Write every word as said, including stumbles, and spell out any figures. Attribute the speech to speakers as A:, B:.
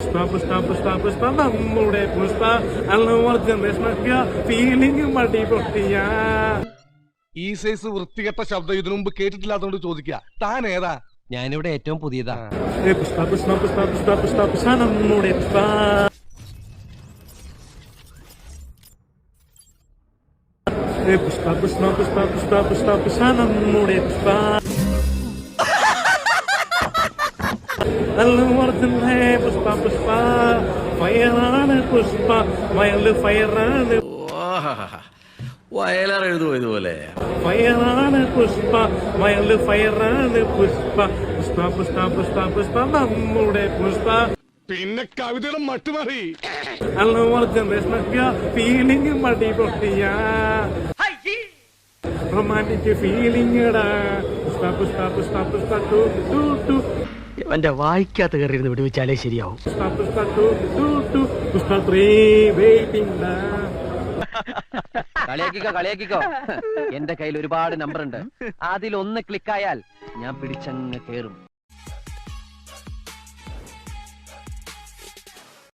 A: പുഷ്പ പുഷ്പ പുഷ്പ പുഷ്പ നമ്മുടെ പുഷ്പ ജനറേഷനൊക്കെ ഫീലിംഗ് മടി പൊട്ടിയ
B: ഈ സൈസ് വൃത്തികെട്ട ശബ്ദം ഇതിനു മുമ്പ് കേട്ടിട്ടില്ലാത്തോണ്ട് ചോദിക്കുക താൻ ഏതാ?
C: ഞാനിവിടെ ഏറ്റവും പുതിയതാ.
A: പുഷ്പ പുഷ്പ പുഷ്പ പുഷ്പ പുഷ്പ പുഷ്പ നമ്മുടെ പുഷ്പ പുഷ്പ പുഷ്പ പുഷ്പ പുഷ്പ പുഷ്പ പുഷ്പ നമ്മുടെ പുഷ്പ പുഷ്പ പുഷ്പ ഫയറാണ് പുഷ്പ വയല് ഫയറാണ്
D: വയലാർ എഴുതുമോ ഇതുപോലെ?
A: ഫയറാണ് പുഷ്പ വയല് ഫയറാണ് പുഷ്പ പുഷ്പ പുഷ്പ പുഷ്പ പുഷ്പ നമ്മുടെ പുഷ്പ.
B: പിന്നെ കവിതയുടെ മട്ടുമാറി
A: ജനറേഷനൊക്കെ ഫീലിംഗ് മടി പൊട്ടിയ romantic feeling Pushpa Pushpa Pushpa Pushpa two two two
C: എന്റെ വായിക്കാത്ത കയറിയിരുന്ന് വിടുവിച്ചാലേ ശരിയാവും.
A: Pushpa Pushpa two two two Pushpa three waiting.
C: കളിയാക്കിക്കോ കളിയാക്കിക്കോ. എന്റെ കയ്യിൽ ഒരുപാട് നമ്പർ ഉണ്ട്. അതിലൊന്ന് ക്ലിക്കായാൽ ഞാൻ പിടിച്ചങ്ങ് കേറും.